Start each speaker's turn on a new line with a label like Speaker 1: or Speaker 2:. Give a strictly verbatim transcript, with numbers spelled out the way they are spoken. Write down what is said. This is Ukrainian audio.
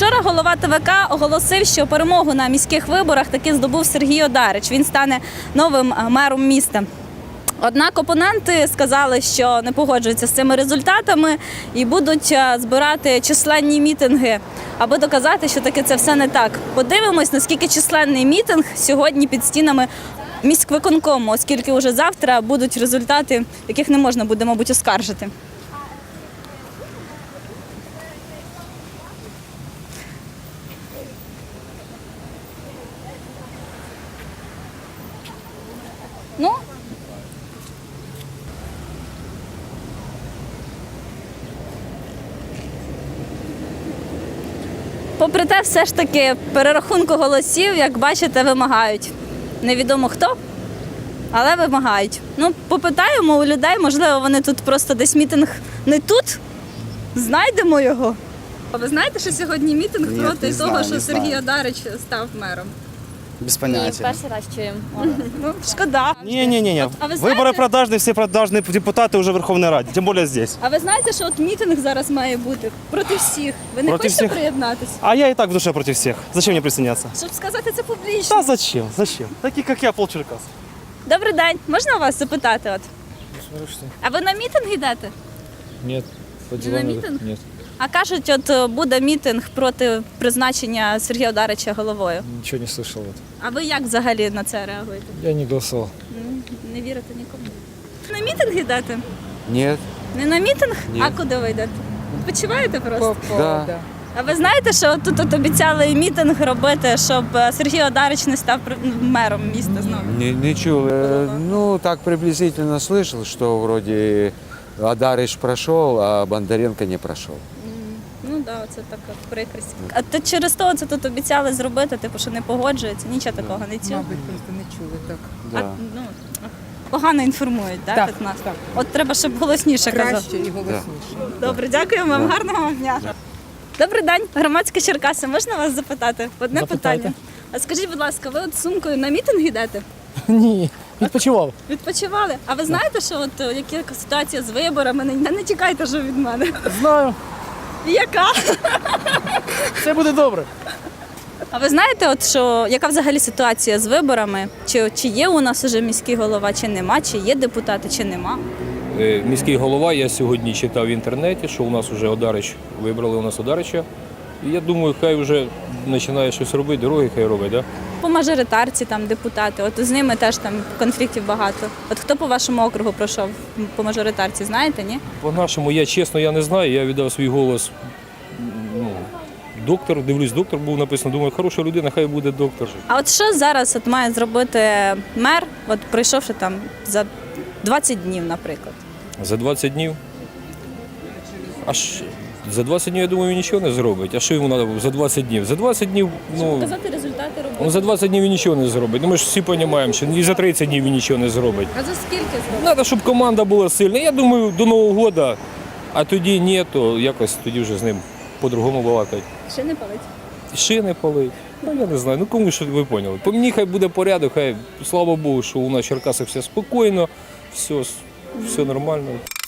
Speaker 1: Вчора голова Те Ве Ка оголосив, що перемогу на міських виборах таки здобув Сергій Одарич. Він стане новим мером міста. Однак опоненти сказали, що не погоджуються з цими результатами і будуть збирати численні мітинги, аби доказати, що таки це все не так. Подивимось, наскільки численний мітинг сьогодні під стінами міськвиконкому, оскільки вже завтра будуть результати, яких не можна буде, мабуть, оскаржити. Ну, попри те, все ж таки перерахунку голосів, як бачите, вимагають. Невідомо хто, але вимагають. Ну, попитаємо у людей, можливо, вони тут просто десь мітинг не тут, знайдемо його. А ви знаєте, що сьогодні мітинг
Speaker 2: Ні,
Speaker 1: проти
Speaker 2: не
Speaker 1: того,
Speaker 2: знаю,
Speaker 1: що
Speaker 2: не
Speaker 1: Сергій
Speaker 2: знаю.
Speaker 1: Одарич став мером?
Speaker 2: Без
Speaker 3: Ні,
Speaker 2: поняття.
Speaker 3: перший раз чуємо.
Speaker 1: Ну, шкода.
Speaker 4: Не-не-не,
Speaker 1: А ви
Speaker 4: выборы
Speaker 1: знаєте,
Speaker 4: продажные, все продажные депутаты уже в Верховной Раде, тем более здесь.
Speaker 1: а ви знаєте, що от мітинг зараз має бути проти всіх? Ви не
Speaker 4: Проти
Speaker 1: хочете
Speaker 4: всіх?
Speaker 1: приєднатися?
Speaker 4: А я и так в душе против всех. Зачем мне присоединяться?
Speaker 1: Щоб сказати це публічно.
Speaker 4: Да зачем? Зачем? Такие, как я, полчеркас.
Speaker 1: Добрий день, можна вас запитати? От? А ви на мітинг йдете?
Speaker 5: Нет, по
Speaker 1: Не
Speaker 5: делам
Speaker 1: на
Speaker 5: не-
Speaker 1: митинг?
Speaker 5: Нет,
Speaker 1: А кажуть, от буде мітинг проти призначення Сергія Одарича головою.
Speaker 5: ничего не слышал. Вот.
Speaker 1: А ви як взагалі на це реагуєте?
Speaker 5: Я не голосовал.
Speaker 1: М, Не вірите нікому? На мітинг йдете?
Speaker 6: Нет,
Speaker 1: Не на мітинг?
Speaker 6: Ні.
Speaker 1: А куди ви йдете? Відпочиваєте просто?
Speaker 6: да.
Speaker 1: А ви знаєте, що тут от обіцяли мітинг робити, щоб е, Сергій Одарич не став при- мером міста знову?
Speaker 6: Не, не чул. Э, Ну, так приблизительно слышал, что вроде Адарыч прошел, а Бондаренко не прошел.
Speaker 1: Ну так, да, це така прикрість. А то через то це тут обіцяли зробити, типу, що не погоджується, нічого такого не чув.
Speaker 7: Мабуть, просто не чули так.
Speaker 1: А,
Speaker 6: Да.
Speaker 1: ну, погано інформують, да,
Speaker 7: Так,
Speaker 1: так, нас?
Speaker 7: так.
Speaker 1: От треба, щоб голосніше казати.
Speaker 7: Краще і голосніше.
Speaker 1: Добре, дякуємо вам, гарного вам дня. Добрий день, громадське Черкаси. Можна вас запитати? Одне
Speaker 8: Запитайте.
Speaker 1: питання. А скажіть, будь ласка, ви от з сумкою на мітинг йдете?
Speaker 8: Ні, відпочивав.
Speaker 1: Відпочивали? А ви знаєте, що от е, яка ситуація з виборами? Не, не тікайте ж від мене.
Speaker 8: Знаю,
Speaker 1: Яка?
Speaker 8: все буде добре.
Speaker 1: А ви знаєте, от що яка взагалі ситуація з виборами? Чи, чи є у нас уже міський голова, чи нема, чи є депутати, чи нема?
Speaker 9: Е, Міський голова, я сьогодні читав в інтернеті, що у нас вже Одарич, вибрали у нас Одарича. І я думаю, хай вже починає щось робити, дороги хай робить, да?
Speaker 1: По мажоритарці там депутати, от з ними теж там конфліктів багато. От хто по вашому округу пройшов по мажоритарці, знаєте, ні?
Speaker 9: По-нашому, я чесно, я не знаю, я віддав свій голос, ну, доктор, дивлюсь, доктор був написано, думаю, хороша людина, хай буде доктор.
Speaker 1: А от що зараз от має зробити мер, от пройшовши там за двадцять днів, наприклад?
Speaker 9: За двадцять днів? Аж за двадцять днів, я думаю, він нічого не зробить. А що йому треба за двадцять днів? За двадцять днів, ну,
Speaker 1: Показати результати роботи.
Speaker 9: ну, за двадцять днів він нічого не зробить. Ну, ми ж всі розуміємо, що і за тридцять днів він нічого не зробить.
Speaker 1: А за скільки зробити?
Speaker 9: Треба, щоб команда була сильна. Я думаю, до Нового року, а тоді ні, то якось тоді вже з ним по-другому балакати.
Speaker 1: Ще не палить.
Speaker 9: Шини палить. Ну я не знаю. Ну кому що ви поняли. По мені хай буде порядок, хай слава Богу, що у нас в Черкасах все спокійно, все, все нормально.